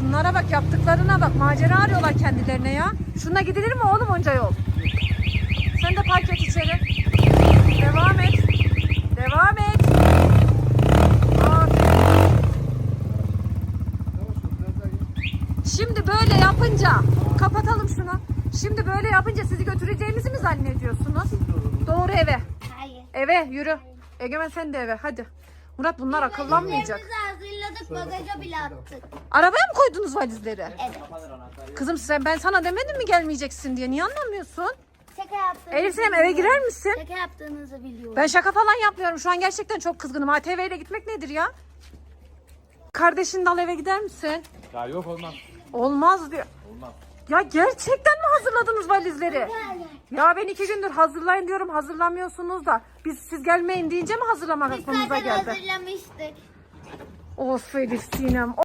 Şunlara bak, yaptıklarına bak. Macera arıyorlar kendilerine ya. Şuna gidilir mi oğlum onca yol? Sen de park et içeri. Devam et. Devam et. Aferin. Şimdi böyle yapınca, kapatalım şunu. Şimdi böyle yapınca sizi götüreceğimizi mi zannediyorsunuz? Doğru eve. Hayır. Eve yürü. Egemen sen de eve hadi. Murat bunlar akıllanmayacak. Valizlerimizi hazırladık, bagaja bile attık. Arabaya mı koydunuz valizleri? Evet. Kızım ben sana demedim mi gelmeyeceksin diye, niye anlamıyorsun? Şaka yaptığınızı Elif Sinem eve girer misin? Şaka yaptığınızı biliyorum. Ben şaka falan yapmıyorum. Şu an gerçekten çok kızgınım. ATV ile gitmek nedir ya? Kardeşini de al, eve gider misin? Ya yok olmaz. Olmaz diyor. Olmaz. Ya gerçekten mi hazırladınız valizleri? Ya ben 2 gündür hazırlayın diyorum, hazırlamıyorsunuz da. Siz gelmeyin deyince mi hazırlamak Biz aklımıza zaten geldi? hazırlamıştık. Of Elif Sinem.